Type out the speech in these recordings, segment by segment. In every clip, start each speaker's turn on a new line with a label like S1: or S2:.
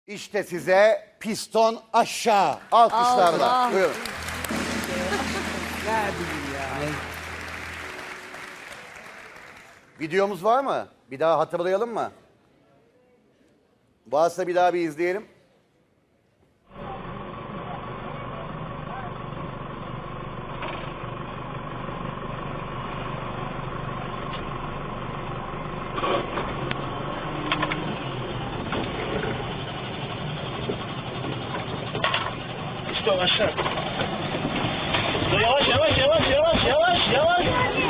S1: İşte size piston aşağı. Alkışlarla.
S2: Allah.
S1: Buyurun.
S3: Ne bileyim ya.
S1: Videomuz var mı? Bir daha hatırlayalım mı? Varsa bir daha bir izleyelim.
S4: İşte aşağı. Yavaş yavaş yavaş yavaş yavaş yavaş.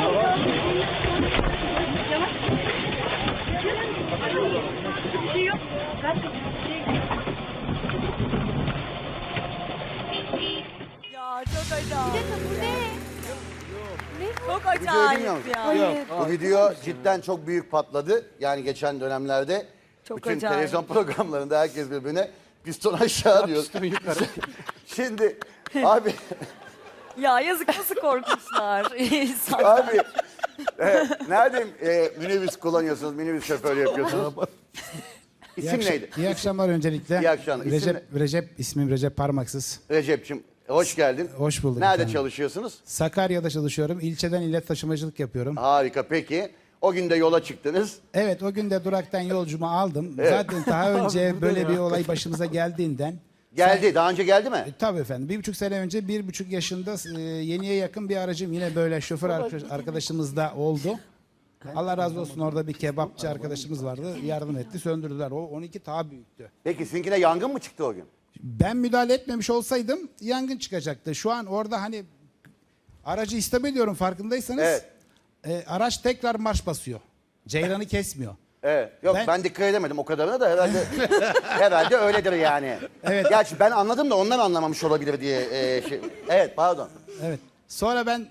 S2: Ya çok acayip.
S5: Bir dakika bu ne?
S2: Çok
S1: Videoyu
S2: acayip
S1: bilmiyor musun?
S2: ya.
S5: Hayır.
S1: Bu video cidden çok büyük patladı. Yani geçen dönemlerde
S2: Çok
S1: bütün
S2: acayip.
S1: televizyon programlarında herkes birbirine piston aşağı diyor. Şimdi abi
S2: Ya yazık nasıl korkmuşlar insan.
S1: abi nerede minibüs kullanıyorsunuz, minibüs şoförü yapıyorsunuz? İsim neydi?
S6: İyi akşamlar öncelikle.
S1: İyi akşamlar. İsim
S6: Recep, ismim Recep Parmaksız.
S1: Recep'ciğim hoş geldin.
S6: Hoş bulduk
S1: Nerede
S6: efendim.
S1: çalışıyorsunuz?
S6: Sakarya'da çalışıyorum. İlçeden ile taşımacılık yapıyorum.
S1: Harika, peki. O gün de yola çıktınız.
S6: Evet, o gün de duraktan yolcumu aldım. Zaten daha önce böyle bir olay başımıza geldiğinden.
S1: Geldi, daha önce geldi mi?
S6: Tabii efendim. 1,5 sene önce 1,5 yaşında yeniye yakın bir aracım yine böyle şoför arkadaşımız da oldu. Allah razı olsun, orada bir kebapçı arkadaşımız vardı. Yardım etti, söndürdüler. O 12 daha büyüktü.
S1: Peki sizinkine yangın mı çıktı o gün?
S6: Ben müdahale etmemiş olsaydım yangın çıkacaktı. Şu an orada hani aracı istop ediyorum, farkındaysanız.
S1: Evet.
S6: Araç tekrar marş basıyor. Ceyranı kesmiyor.
S1: Evet. Yok ben dikkat edemedim o kadarına da herhalde herhalde öyledir yani.
S6: Evet.
S1: Gerçi ben anladım da ondan anlamamış olabilir diye şey. Evet, pardon.
S6: Evet. Sonra ben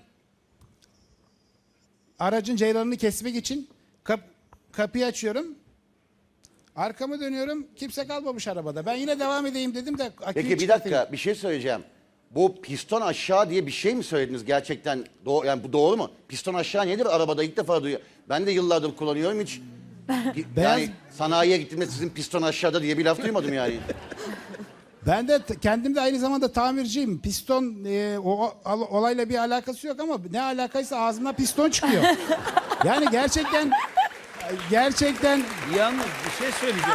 S6: aracın ceyranını kesmek için kapıyı açıyorum. Arkamı dönüyorum. Kimse kalmamış arabada. Ben yine devam edeyim dedim de aküyü
S1: Peki bir
S6: çıkartayım.
S1: dakika bir şey söyleyeceğim. Bu piston aşağı diye bir şey mi söylediniz gerçekten? Yani bu doğru mu? Piston aşağı nedir? Arabada ilk defa duyuyorum. Ben de yıllardır kullanıyorum hiç. Yani sanayiye gittiğimde sizin piston aşağıda diye bir laf duymadım yani.
S6: Ben de kendim de aynı zamanda tamirciyim. Piston olayla bir alakası yok ama ne alakaysa ağzımdan piston çıkıyor. Yani gerçekten
S3: Yalnız bir şey söyleyeceğim.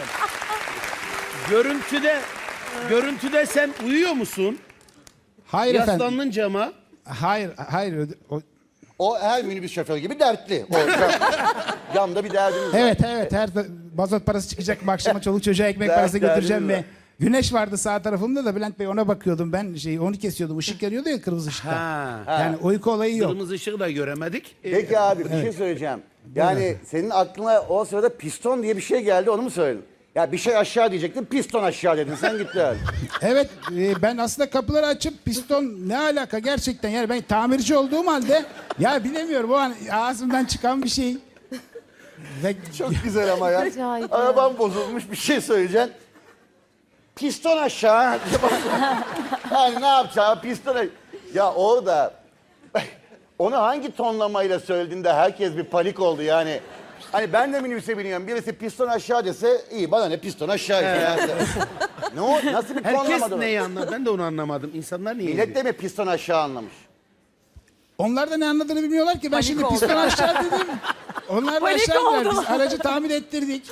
S3: Görüntüde sen uyuyor musun?
S6: hayır efendim.
S3: Yaslandın cama.
S6: Hayır.
S1: O her minibüs şoförü gibi dertli. O camda bir derdiniz var.
S6: Evet. Her mazot parası çıkacak mı akşama, çoluk çocuğa ekmek
S1: Dert
S6: parası götüreceğim
S1: derdiniz
S6: ve güneş vardı sağ tarafımda da Bülent Bey, ona bakıyordum ben, onu kesiyordum. Işık yanıyordu ya, kırmızı ışıkta.
S3: Ha.
S6: Yani uyku olayı yok.
S3: Kırmızı ışığı da göremedik.
S1: Peki abi bir şey söyleyeceğim. Yani senin aklına o sırada piston diye bir şey geldi, onu mu söyledin? Ya bir şey aşağı diyecektin, piston aşağı dedin, sen gitti abi.
S6: Evet, ben aslında kapıları açıp piston ne alaka gerçekten, yani ben tamirci olduğum halde ya bilemiyorum, o an ağzımdan çıkan bir şey. Ve
S1: Çok güzel ama ya.
S5: Acayip ya.
S1: Arabam bozulmuş, bir şey söyleyeceksin. Piston aşağı. Hani ne yapacağım, piston aşağı. Ya orada onu hangi tonlamayla söylediğinde herkes bir panik oldu yani. Hani ben de minibüse biniyorum, birisi piston aşağı dese iyi, bana ne piston aşağı. Yani. Ne o, nasıl bir
S3: Herkes
S1: tonlamadı?
S3: neyi anladı? Ben de onu anlamadım. İnsanlar niye?
S1: Millet de mi piston aşağı anlamış?
S6: onlar da ne anladığını bilmiyorlar ki. Ben
S2: Panik
S6: şimdi
S2: oldu.
S6: piston aşağı dedim. Onlar da
S2: Panik
S6: aşağı indiler.
S2: oldu.
S6: Biz aracı tamir ettirdik.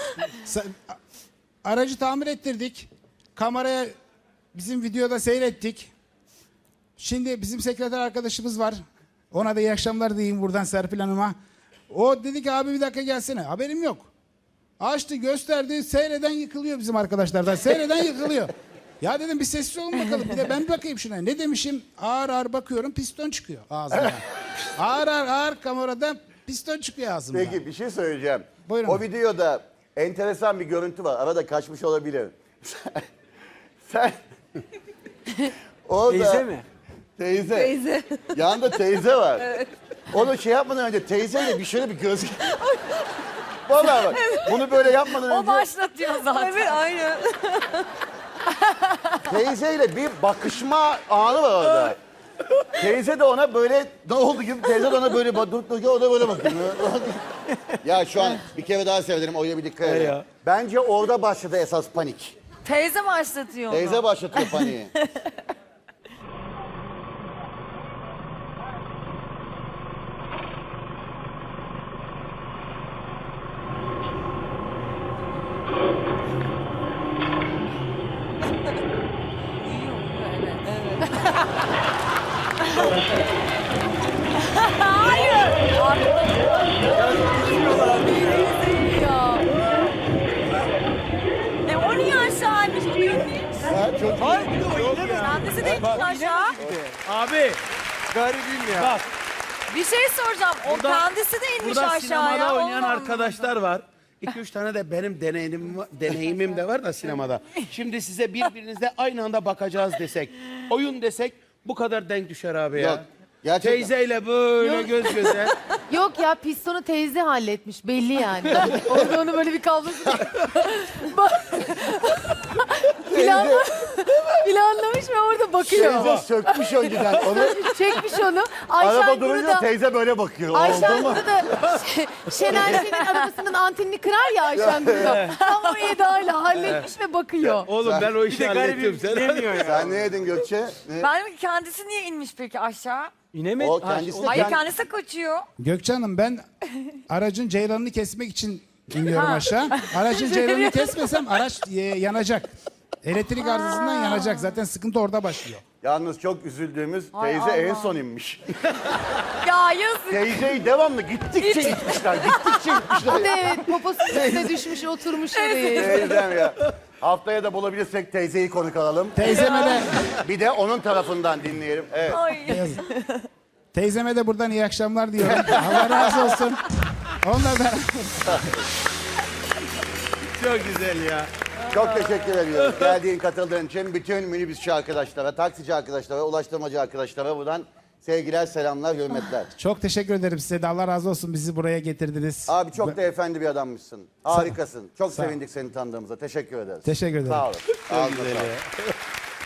S6: Aracı tamir ettirdik. Kameraya bizim videoda seyrettik. Şimdi bizim sekreter arkadaşımız var. Ona da iyi akşamlar diyeyim buradan Serpil Hanım'a. O dedi ki abi bir dakika gelsene. Haberim yok. Açtı, gösterdi. Seyreden yıkılıyor bizim arkadaşlardan. Seyreden yıkılıyor. Ya dedim bir sessiz olun bakalım. Bir de ben bakayım şuna. Ne demişim? Ağır ağır bakıyorum, piston çıkıyor ağzımdan. ağır kamerada piston çıkıyor ağzımdan.
S1: Peki bir şey söyleyeceğim.
S6: Buyurun.
S1: O videoda enteresan bir görüntü var. Arada kaçmış olabilir. Sen orada
S3: Teyze mi?
S1: Teyze. Yanında teyze var. Evet. Onu şey yapmadan önce teyzeyle bir şöyle bir göz... Vallahi bak bunu böyle yapmadan
S2: O
S1: önce
S2: başlatıyor zaten. Evet aynen.
S1: teyzeyle bir bakışma anı var orada. Teyze de ona böyle ne oldu gibi, teyze de ona böyle bakıyor, o da böyle bakıyor. Ya şu an bir kere daha severim, oraya bir dikkat edin. Bence orada başladı esas panik.
S2: Teyze başlatıyor onu.
S1: Teyze başlatıyor paniği.
S2: O niye aşağıymış? Bu inmiş.
S1: Ha, çok
S2: Kendisi de inmiş aşağı.
S3: Abi
S5: Garibim ya.
S3: bak
S2: Bir şey soracağım. O
S3: Burada-
S2: kendisi de inmiş
S3: burada
S2: aşağıya.
S3: sinemada oynayan
S2: Onu
S3: arkadaşlar var. 2-3 tane de benim deneyimim de var da sinemada. Şimdi size birbirinizle aynı anda bakacağız desek, oyun desek bu kadar denk düşer abi ya.
S1: Yok, gerçekten.
S3: Teyzeyle böyle göz göze.
S7: Yok ya pistonu teyze halletmiş belli yani. Orada onu böyle bir kablosu planlamış ve orada bakıyor.
S1: Teyze sökmüş önceden onu.
S7: Çekmiş onu.
S1: Araba
S7: Ayşen
S1: durunca
S7: burada
S1: teyze böyle bakıyor.
S7: Ayşen
S1: Oldu mu?
S7: burada Şener Şen'in arabasının antenini kırar ya Ayşen burada. Tam o edayla halletmiş ve bakıyor.
S3: Oğlum ben o işi hallettim. Sen
S5: İnemiyor ya.
S1: Sen ne yedin Gökçe? Ne?
S2: Ben kendisi niye inmiş peki aşağı?
S5: İnemedi.
S1: O kendisi de
S2: Hayır
S1: kend-
S2: kendisi de kaçıyor.
S6: Gökçe Hanım ben aracın ceyranını kesmek için iniyorum aşağı. Aracın ceyranını kesmesem araç yanacak. Elektrik arızasından yanacak. Zaten sıkıntı orada başlıyor.
S1: Yalnız çok üzüldüğümüz
S2: Ay
S1: teyze en
S2: Allah.
S1: son inmiş.
S2: Ya yazık.
S1: Teyzeyi devamlı gittikçe gitmişler. Gittikçe gitmişler.
S7: Bir de evet poposunun üstüne düşmüş oturmuş oraya.
S1: Teyzem ya. Haftaya da bulabilirsek teyzeyi konuk alalım.
S6: Teyzeme de,
S1: Bir de onun tarafından dinleyelim. Evet.
S2: Ay.
S6: teyzeme de buradan iyi akşamlar diyorum. Allah razı olsun. Onunla da
S3: çok güzel ya.
S1: Çok teşekkür ediyoruz. Geldiğin, katıldığın için bütün minibüsçü arkadaşlara, taksici arkadaşlara, ulaştırmacı arkadaşlara buradan sevgiler, selamlar, hürmetler.
S6: çok teşekkür ederim size de. Allah razı olsun bizi buraya getirdiniz.
S1: Abi çok da efendi bir adammışsın. Harikasın. Çok
S6: Sağ ol.
S1: sevindik seni tanıdığımıza. Teşekkür ederiz.
S6: Teşekkür ederim.
S1: Sağ olun. Ağzına
S3: Güzel
S1: sağlık.
S3: ya.